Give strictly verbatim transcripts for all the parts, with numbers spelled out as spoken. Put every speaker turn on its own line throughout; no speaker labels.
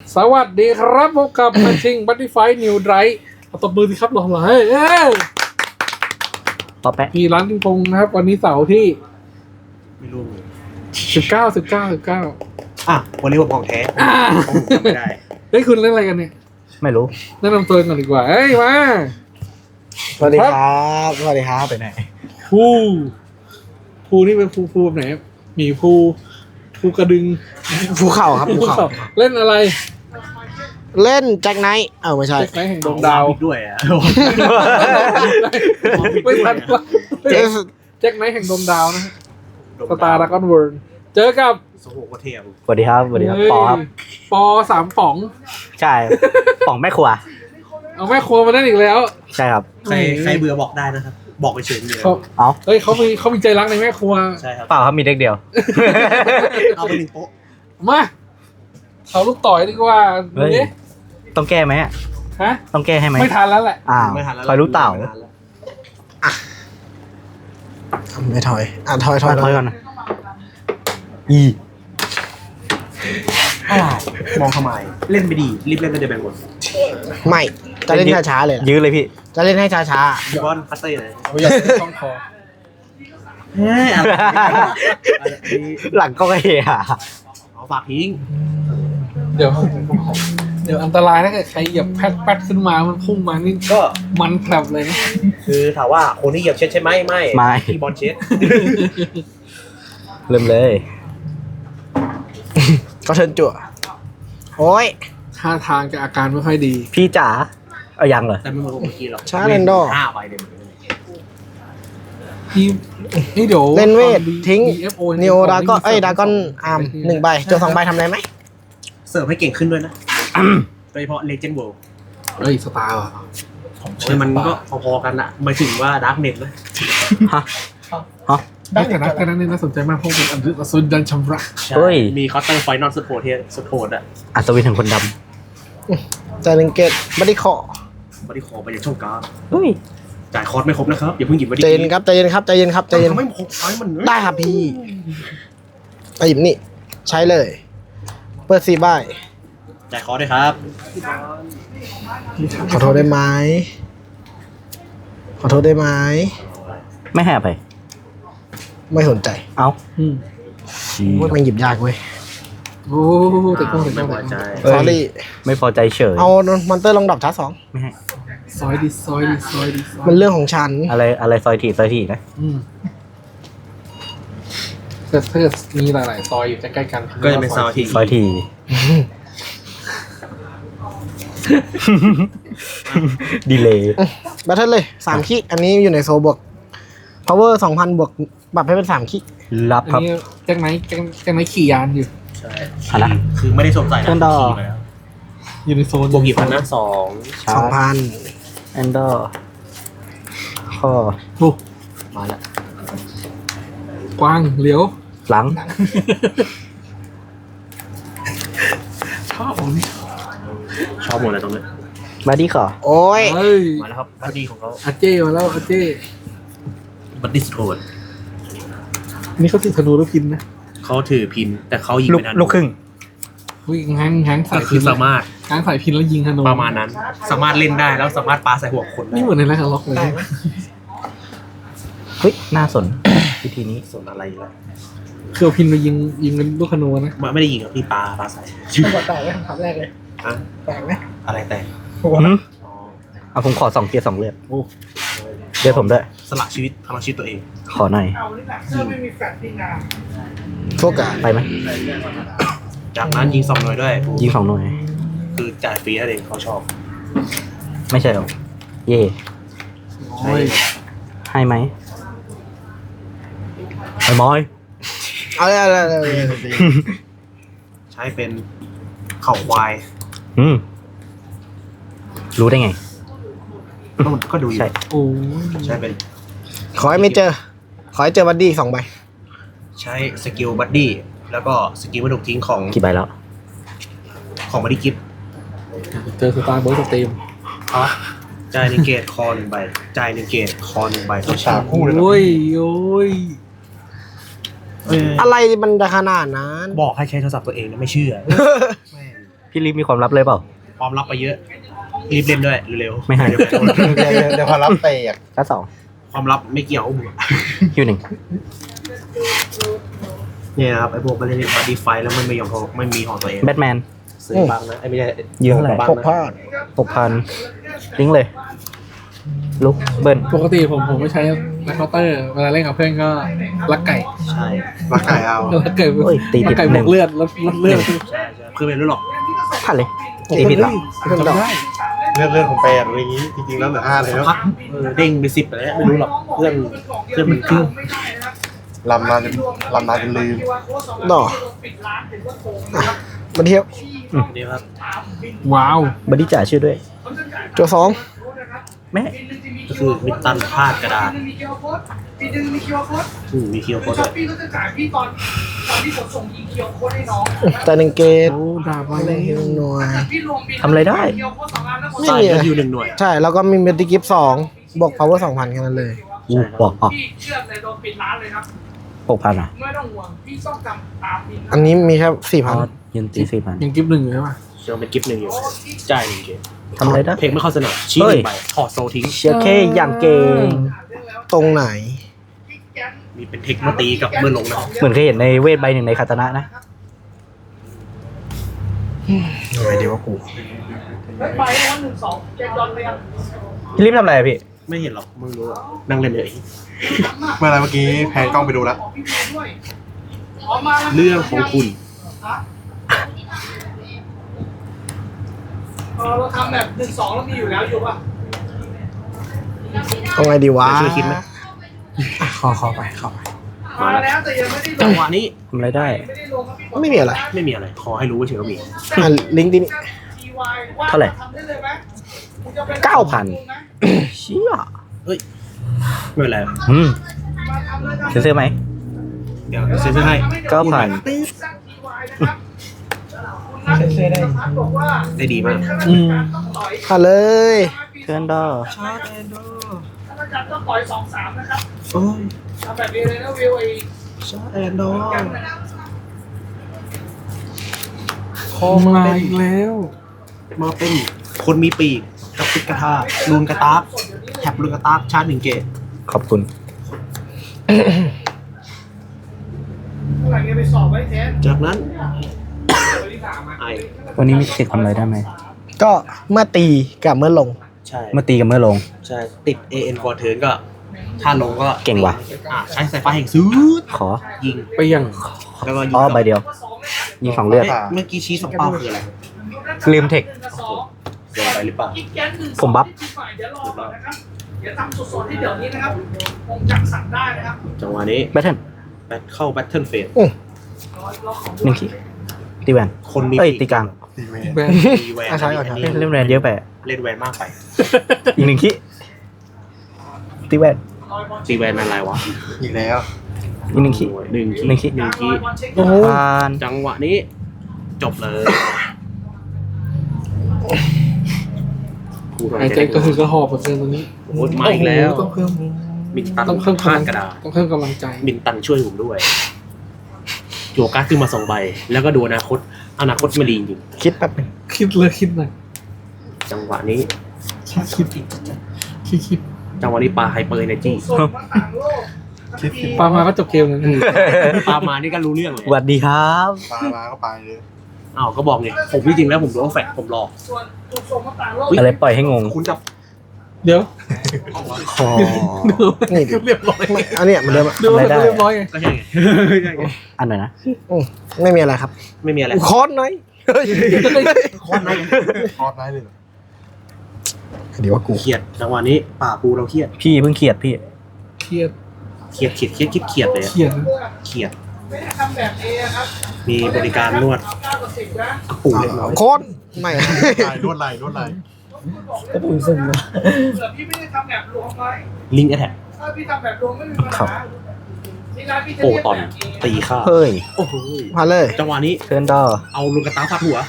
สวัสดีครับพบกับมาชิงบัตตี้ไฟนิวไดร์เอาตบมือสิครับหล่อๆเฮ้ยเอ้ย
ต่อแปะ
มีร้านปิงปองนะครับ วันนี้เสาร์ที่
ไม่รู้เลย
สิบเก้า สิบเก้า สิบเก้า
อ่ะวันนี้ผมของแท้ผมจำไม่ได้
เฮ้ยคุณเล่นอะไรกันเนี่ย
ไม่รู้
แนะนำตัวก่อนดีกว่าเฮ้ยมา
สวัสดีครับสวัสดีครับไปไหน
ภูภูนี่เป็นภูภูแบบไหนหมีภูภูกระดึง
ภูเขาครับภูเขา
เล่นอะไร
เล่นแจ็คไนท์เออไม่ใช่
เจ็กไนท์แห่งดวงดาว
อีกด้วยอ่ะ
ไม่ทันละ
เจ๊
แจ็คไนท์แห่งดวงดาวนะฮะสตาร์ดากอนเวิร์เจอกับ
สโหกระเทียม
สวัสดีครับสวัสดีครับปอครับ
ปอสามป๋อง
ใช่ป่องแม่ครัว
เอาแม่ครัวมาได้อีกแล้ว
ใช่ครับ
ใครใครเบื่อบอกได้นะครับ บอกไปเฉยๆเลย
เขา
เอา
เฮ้ยเขามีเขามีใจรักในแม่ครัว
ใช่ครับ
เปล่าครับมีเด็กเดียว
เอาไปหนึ่งโป๊ะ
มาเขาลูกต่อยดีกว่า
เฮ้ย
ดูดิ
ต้องแก้ไหมอะ
ฮะ
ต้องแก้ให้ไหม
ไม่ทันแล้วแหละ
อ้าว
ไม่ทันแล้ว
คอยรู้เต่า
ไม่ทันแล้ว
ไม่ถอยอ่ะถอยถ
ถ
อ
อย ยถอยก่อนนะอี
อะไรมองทำไมเล่นไม่ดีรีบเล่นก็จะแบ่งหมด
ไม่จะเล่นช้าๆเลยนะ
ยื้อเลยพี่
จะเล่นให้ช้า
พี่บอลพัตเต้เลย
เอาอย่างนี้ต้องคอ
เฮ้ยอะไรอะไรนี่
หลังก็เฮีย
เอาฝากทิ้ง
เดี๋ยว เดี๋ยวอันตรายถ้าเกิดใครเหยียบแพดแพดขึ้นมามันพุ่งมานี่
ก็
มันแผลบเลยนะ
คือถามว่าคนที่เหยียบเช็ดใช่ไหมไม่
ไม่
พี่บอลเช็ด
เริ่มเลย
ๆก็เชิญจั่วโอ้ย
ท่าทางจะอาการไม่ค่อยดี
พี่จ๋าเอายังเหรอ
แต่ไม่เหมือนเมื่อกี้หรอก
ช้าเล่นดอ
ห้าใบเลย
นี่นี่เดี๋ยว
เล่นเวท
ตอ
ทิ้ง
ดี เอฟ โอ
นิโอดาก็เอ้ยดากอนอาร์มหนึ่งใบจั่วสองใบทำอะไรไหม
เสิร์ฟให้เก่งขึ้นด้วยนะโดยเฉพาะเลเจนด์เวิลด์
เฮ้ยสตาร์ว่ะผม
โอ้ยมันก็พอๆกันอะหมายถึงว่าดาร์กเน็ตนะ
ฮะฮะ
ได้แต่นักแต่นั้นเนี่ยน่าสนใจมากเพราะเป็นอันดุสุดดันชำระ
เฮ้ย
มีคอสเตอร์ไฟนอลสุดโหดเทียสุดโหดอะ
อัศวินถึงคนด
จ่ายหนึ่งเกตบัดดี้คอ
บัดดี้คอไปอย่างช่องกลาง
ำเฮ้ย
จ่ายคอร์สไม่ครบนะครับอย่าเพิ่งหยิบบัดดี้
ใจเย็นครับใจเย็นครับใจเย็นครับใจเย็น
ทำไมหกไอ้มัน
ได้ครับพี่ไปหยิบนี่ใช้เลย เปิดสี่ใบ
จ่ายคอร์สด้วยครับ
ขอโทษได้ไหมขอโทษได้ไหม
ไม่ให้อภัย
ไม่สนใจ
เอา
อืม
ว่ามันหยิบยากเว้ย
โอ้แต่ต้องแต่
ไม่
ต้อง
พอใจ
เอ้ย
สอรี่
ไม่พอใจเฉย
เอามอนเตอร์ลงดอกชาร์จสอง
ไม่ให้
ซอยดิซอยดิซอยดิซอย
มันเรื่องของฉัน
อะไรอะไรซอยถีซอยถีนะ
อืมแต่ถ้าเกิดมีหลายๆซอยอยู่ใกล้ๆกัน
ก็จะเป็นซาวที
ซอยถีดีเลย
บัตเทิลเลยสามคิอันนี้อยู่ในโซบวก power สองพันบวกปรับให้เป็นสามคิ
รับ
อัน
ครับ
นี้แจ็คไนท์แจ็คแจ็คไนท์ขี่ยานอยู่
ใช่
อะไร
คือไม่ได้สวมใส่นะ
เชิญต่อ
ขี่ไปแล้ว
อยู่ในโซน
บวกกี่พันนะสอง
ชา
สอง
ร์
พัน
แอนดอร์ข้อ
โอ้
มาแล้ว
กว้างเหลียว
หลัง
ชอบของนี่
ชอบหมดเลยตรงนี้
มาดีขอ
โอ้ย
เฮ้ย
มาแล้วครับบัดดี้ของเขา
อาเจ้มาแล้วอาเจ้
บัดดี้สุดโหด
นี่เขาถือธนูหรือพินนะ
เขาถือพินแต่เขายิง
ลูก
ไม่ทัน
ลูกครึ่ง
อุ้ยง้างง้างใส่
แต่
พิ
คื
น
อสามารถ
ง้างใส่พินแล้วยิงธนู
ประมาณนั้น สามารถเล่นได้แล้วสามารถปาใส่หัวคนได้
นี่เหมือนในแรกล็อกเลย
เฮ้ย น่าสน วิธีนี้
ส่วนอะไรล่ะ
คือเอาพินไปยิงยิงเป็นลูกธนูนะ
มันไม่ได้ยิงครับพี่ปาปาใส่
แตกไหมคำแรกเลย
อะ
แตกไหม
อะไรแต่
หืม
อ๋อ
เอาผมขอสองเกียร์สองเลือด
โอ้
เลือดผมด้วย
สละชีวิตพลังชีวิตตัวเอง
ขอหน่อย
โฟกัส
ไปไหม
จากนั้นยิงสองหน่วยด้วย
ยิงสองหน่วย
คือจ่ายฟรีนั่นเองเขาชอบ
ไม่ใช่หรอ เย่
โอ้ย
ให้ไหมไอ้มอย
เอาเลยเอาเลยเอาเลยเอาเลย
ใช้เป็นเข่าควาย
อืม รู้ได้ไง
ก็ก็ดูอยู่
ใช่
โอ้ย
ใช้เป็น
ขอให้ไม่เจอ ขอให้เจอบัดดี้สองใบ
ใช้สกิลบัดดี้แล้วก็สกิลไม่ถูกทิ้งของ
กี่ใบแล้ว
ของบัดดี้กิฟต์
เจอสตาร์เบิร์ดสเตม
จ่ายหนึ่งเกตคอหนึ่งใบจ่ายหนึ่งเกตคอหนึ่งใบตัวชาคู่เลย
โอ้ยโอ้ย
อะไรมันจะขนาดนั้น
บอกให้ใช้โทรศัพท์ตัวเองนะไม่เชื่อแม่ง
พี่พี่ลิฟมีความลับเลยเปล่า
ความลับไปเยอะรีบเล่นด้วยเร็วๆ
ไม่ให้
เดี๋ยวโดน
เดี๋ยวเดี๋ยวเดี๋ยวพอรับเตะ
ก็สอง
ความลับไม่เกี่ยวกับมึง
คิวหนึ่ง
เนี่ยนะครับไอ้พวกมันเล่นบัดดี้ไฟแล้วมันไม่ยอมของไม่มีของตัวเอง
แบทแมน
ซื้อบ้างนะไอ้ไม่ใช่
ยืมเท่าไหร่
บ้าง
หก
นะ
พลาด
หกพันลิงก์เลย ลุกเบิ้ล
ปกติผมผมไม่ใช้แล็กเคาน์เตอร์เวลาเล่นกับเพื่อนก็ลักไก่
ใช่
รักไก่เอา
ลักไก่
โอ้ยตี
ลั
ติ
ก
ด
ไก่
ห
บ
นึ่
ว
ง
กเลือดลดลดเลือด
ใช่ใช่เพื่อนเป็นรู้หรอก
พันเลยตีผิดเหรอ
จำได้
เลือดเลือดของแปดอะไรอย่างงี้จริงๆแล้วเหลือห้าเลย
สัก
แล้ว
พักเออเด้งไปสิบไปแล้วไม่รู้หรอกเพื่อนเพื่อนมันกึ่ง
ลำนานจนลำนานจนลืม
ดออ่ะมาเที่ยว
นี่ครับ
ว้าว
บอดี้จ่ายชื่อด้วย
ตัวสอง
แม่
ก็คือมิดตันพลาดกระดาษอืมมีคิวโค้ดด้วย
พี่ก็จะจ่ายพี่ตอนตอนที่ผมส่งยิงเคียวโค้ดให้น้อง
แต่หนึ่งเกต
โอ้ดาบมา
ไม่
แล้
ได้
ว
หน่วย
พี่รวมบิน
ทำอะไรได้
เคียวโค้ดสองอันแล้วผม
ไม่
ใช่
มี
ก็
อะไร
คิวหนึ่งหน่วย
ใช่ แล้วก็มีเมติกิฟสองบวก power สองพันแค่นั้นเลย
อู้บอกอ๋อ
พี่เชื่อเลยโดนปิดร้านเลยครับ
หกพันอ่ะ
ไม่ต้องห่วงพี่ต้องจำตามบิน
อันนี้มีแค่สี่
อ๋
พั
อน ยืนตีสี่พัน
ยังกิฟต์หนึ่งอยู่ใช่ปะ
เชื่อเป็นกิฟต์หนึ่งอยู่จ่ายหนึ่งเกม
ทำอะไรได้
เพลงไม่เข้าสนามชี้ห
เฮ้ย
นึ่งใบถอดโซทิ้ง
เชียร์เคอย่างเก่ง
ตรงไหน
มีเป็นเทคมาตีกับเมื่อลงนะ
เหมือนเคยเห็นในเวทใบหนึ่งในคาตานะนะ
อะไรดีวะกู
แล้วไปวันหนึ่งสองแจ็คดอนไปยัง
พี่ลิฟทำอะไรอะพี่
ไม่เห็นหรอกมึงรู้อะนั่งเล่นเลย
เมื่อไรเมื่อกี้แพนกล้องไปดูแล้ว
ของพี่เมย์ด้วยออกมาแล้ว
เรื่องของคุณ
เออเราทำแบบหนึ่งสองเรามีอยู่แล้วอยู่ป่ะ
ตรงไหนดีวะ
ช่วยคิดไหม
อ่ะขอขอไปขอไป
มาแล้วแต่ยังไม่ได้ล
จั
ง
งหวะนี้
ทำอะไรได้
ไม่ได้ลงครับพี่
ไม่มีอะไร
ไม่มีอะไรขอให้รู้ว่าเฉยว่ามี
อ่ะลิงก์ที่นี่
ทีวายว่า
เท่าไหร่
ทำได้เลยไหมคุณจะไป
เก้าพัน
เชี่ย
เฮ้ยไม่เป็นไร
อืม
มาทำเลยครับ
เซ็นเซอร์ไหม
เดี๋ยวเซ็นเซอร์ให้
เก้าพัน
สร้างทีวายนะครับคุณนัทธีรพัฒน์บอกว่า
ได้ดีมาก
อืม
ต้องต่อย
มาเลย
เพื่อนดอ
ถ้าประจับต้องต่อยสองสามนะครับ
โอ้ย
ทำแบบนี้เลยนะวิวไอ้
ชาแอนดอ
กันนะครับ
คอมาอีกแล้ว
มาเป็นคนมีปีกกระปิกกระทาลูนกระตากแท็บลูนกระตากชาร์จหนึ่งเกต
ขอบคุณ
เมื่อไหร่จะไปสอบไว้แทน
จากนั้น
วันที่สามอ่ะ
ไอ
วันนี้มีสิทธิ์ทำอะไรได้ไหม
ก็เมื่อตีกับเมื่อลง
ใช่
เมื่อตีกับเมื่อลง
ใช่ติด เอ เอ็น ฟอร์เทิร์นก็ ถ้าลงก็
เก่งว่ะ
อ่าใช้สายฟ้าแห่งซื้อ
ขอ
ยิง
ไปยัง
แล้วก็ยิง
อ๋อใบเดียว ยิงสองเลือด
เอ๊ะเมื่อกี้ชี้สองเป้าคืออะไร
ลืมเทค
เกินไปหรือเปล่า
อีกแก๊งหนึ่ง
ผมบัฟ
เดี๋ยวรอก่อนนะครับเดี๋ยวทำสดๆที่เดี๋ยวนี้นะครับผมจักสั่งได้นะครับ
จังหวะนี้
แบทเทิล
แบทเข้าแบทเทิลเฟส
อืม
หนึ่งขีดตีแวน
คนมี
เอ้ยตีกลาง
ตีเม
แบน
ตีแวน
อ่ะใช้ก่อน
อัน
เล่
นี้
นเล่นแวนเยอะไปอะ
เล่นแวนมากไป
อีกหนึ่งขีดตีแวน
ตีแวนอะไรวะ
อีกแล้ว
อีกหนึ่งขีด
หนึ่งขี
หนึ่งขีด
หนึ่งขี
โอ้โห
ผ่าน
จังหวะนี้ จบเลยพูดอะไร
หายใจกระหืดกระหอบเหมือนกันตอนนี้
โอ้ยมาอีกแล้ว
โอ้โหต้องเพิ่ม
มินตัน
ต้องเพิ่ม
พลาดกระดาษ
ต้องเพิ่มกำลังใจ
มินตันช่วยผมด้วยจั่วการ์ดขึ้นมาสองใบ แล้วก็ดูอนาคต อนาคตไม่ดีจริง
คิดแป๊บหนึง
คิดเลยคิดหน่อย
จังหวะนี้
คิดคิดคิดคิด
จังหวะนี้ปลาไฮเปอร์เอเนจี
ส่งมาต่างโลก
คิดคิด
ปามาก็จบเกมเลย
ปลามานี่ก็รู้เรื่องเลย
สวัสดีครับ
ปลามาก็ไปเลย
อ้าวก็บอกไงผมจริงๆแล้วผมโดนแฟกผมหลอก
ส่วนถูกส่งมาต่างโลก
อะไรปล่อยให้งง
คุณจะ
เดี๋ยว
คอ
นี่ดิ
เรียบร้อย
ไม่อันเนี้ยเหมือนเดิมอะ
ดู
ทำอะไรได้
เรียบร้อยไง
ก็ใช่ไงใช่ไง
อันไหนนะ
อืมไม่มีอะไรครับ
ไม่มีอะไร
คอนหน่อยเฮ้ย
โคตรน่า
คอร์สได้เลยเหรอ
เดี๋ยวว่ากู
เครียดจังหวะนี้ป่าปูเราเครียด
พี่เพิ่งเขียดพี่
เครียด
เครียดเครียดเครียดเครียดเครียดเลยอะ
เครียด
เครียด
ไม่ได้ทำแบบเอครับ
มีบริการนวด
เก้ากับสิบนะ
กระปูเรียบร้อย
คอนไม่
ไหลนวดไหลนวดไหล
กระปุกซึมนะ
เผื่อพี่ไม่ได้ทำแบบรวมไว้
ลิงก์แอทแทก
ถ้าพี่ทำแบบรวมไม่มีปัญ
ครั
หา
บ
ที่ร้านพี่จะ
โป
เรียก
ตอน
แบบเอ
ตีข้า
เฮ้ย
โอ้โห
มาเลย
จังหวะนี้
เพื่อนดอ
เอาลูกกระตาฟาดหัว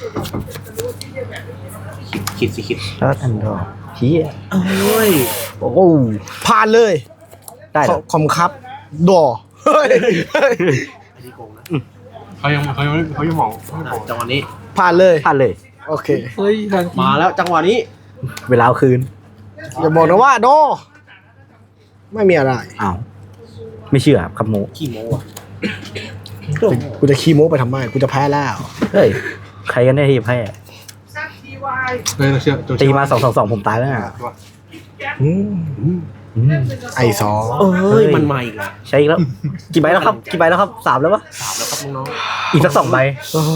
คิดคิดสิคิด
ชาร์ดอันดอเฮีย
เอ้ย
โอ้โห
ผ่านเลย
ได้เหรอ
ขอมครับดอเฮ้ยเฮ้ย
อันนี้โกงนะ
เขายังเขายังเขายังมอง
อ่ะจังหวะนี้
ผ่านเลย
ผ่านเลย
โอเค
เฮ้ยทาง
มาแล้วจังหวะนี้
เวลาเอาคืน
อย่าบอกนะว่าโด ไม่มีอะไร
อ้าวไม่เชื่อครับคำโม
ขี้โม้อะ
กูจะขี้โม้ไปทำไมกูจะแพ้แล้ว
เฮ้ยใครกันได้ที่แพ้
แซดทีวาย
เฮ้ยเราเชื่อโจ
ตีมาสองสองสองผมตายแล้วนะ
อืม
อืม
ไอซอ
เอ้ยมันมาอีกแล้ว
ใช่อีกแล้วกี่ใบแล้วครับกี่ใบแล้วครับสามแล้วปะ
สามแล้วครับน้อง
อีกสักสองใบ
โอ้โห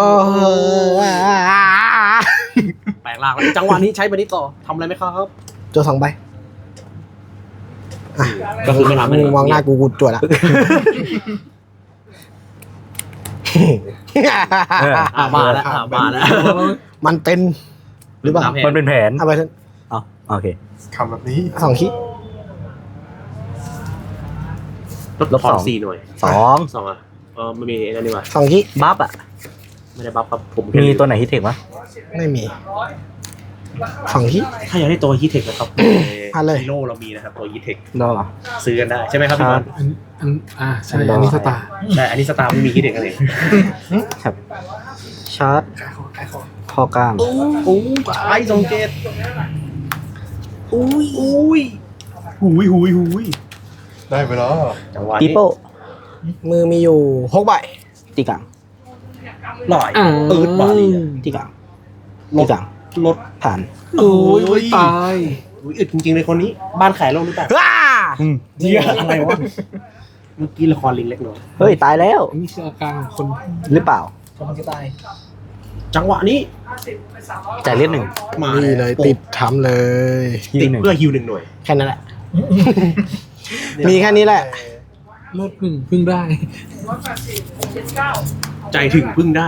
ๆแปลงร่างแล้วจังหวะนี้ใช้ไปนี้ต่อทำอะไรไหมครับ
เจอสองใบ
ก็คือไม่ทำ
มึงมองหน้ากูกูจวดละ
เออ
อ่ามาแล้วอ่ามาแล้ว
มันเป็นหรือเปล่า
ตามแผ
มันเป็นแผน
เอาไปเถอะ
อ๋อโอเค
คำแบบนี้
สองขี้
ลดทอนสี่หน่วย
สอง
สองอ่ะเออไม่มีนั่นนี่หว่า
สองขี้
บัฟอ่ะ
ไม่ได้บัฟครับผม
มีตัวไหนฮิตเทคปะ
ไม่มีสองขี้
ถ้าอยากได้ตัวฮีเทคนะครับ
อ่ะเลย
ฮีโร่เรามีนะครับตัวฮีเทค
รอ
ซื้อกันได้ใช่ไหมครับพี่บอล
อันอันอ่าใช่อันนี้สตาร์
ใช่อันนี้สตาร์ไม่มีฮีเทคกันเอง
ครับชาร์จคอกลาง
โอ้ไอ้สองเจ็ดอุ้ยอุ้ย
หุยหุยหุยได้ไปแล้ว
จังหวะ
ปี
นี้
โป้
มือมีอยู่หกใบ
ตีกลาง
หล่อย
อ่า
เอิร์ดบาลี
ตีกลางตีกลาง
รถ
ผ่าน
โอ้ยโอ้ยตาย
อุ้ยอึดจริงๆเลยคนนี้ บ้านขายโลกหรือเปล่า
ว้า
เจียอะไรวะเมื่อกี้ละครลิงเล็กน้อย
เฮ้ยตายแล้ว
อันนี้คืออาการของคน
หรือเปล่า
จังหวะนี้
จ่ายเลือดหนึ่ง
มา
นี่เลยติดทำเลย
ติด
หนึ่ง
เพื่อฮิวหนึ่งหน่วย
แค่นั้นแหละ มีแค่นี้แหละ
เลิศหนึ่งเพิ่งได้
ร้อยแปดสิบเจ็ดเก้า
ใจถึงพึ่งได้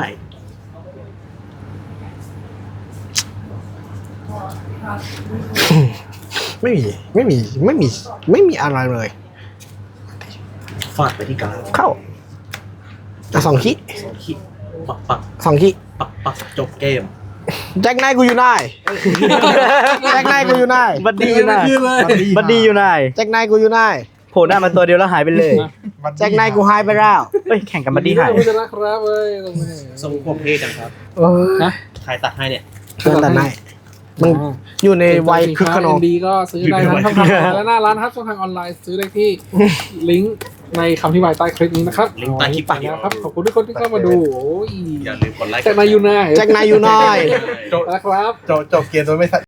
ไม่มีไม่มีไม่มีไม่มีอะไรเลย
ฟาดไปที่กลาง
เข้าอ่ะสองขี้
สองขีดปักปัก
สองขี้
ปักปักจบเกม
แจ็คไนท์กูอยู่ไหนแจ็คไนท์กูอยู่ไหน
บัดดี้อยู่ไหน
ยืนเลย
บัดดี้อยู่ไหน
แจ็คไนท์กูอยู่ไหน
โผล่หน้ามาตัวเดียวแล้วหายไปเลย
แจ็คไนท์กูหายไปแล้ว
เฮ้ยแข่งกันบัดดี้หาย
คุณจะนะครับเว้ยตรงนี้
ทรงผมเทจังครับ
เออ
นะ
ใครตัดให้เนี่ย
เชิญแต่ไนท์มันอยู่ในวัยคึกขนอง
ดีก็ซื้อได้ทั้งช่องทางและหน้าร้านครับช่องทางออนไลน์ซื้อได้ที่ลิงก์ในคำที่บายใต้คลิปนี้นะครับ
ลิงก์ใต้คลิป
ไปนะครับขอบคุณทุกคนที่เข้ามาดูโอ้ย
อย่าลืมกดไลค์
แจ็คนายูไน
แจ็คไนท์อยู่ไหน
จบ
นะครับ
จบจบเกมโดยไม่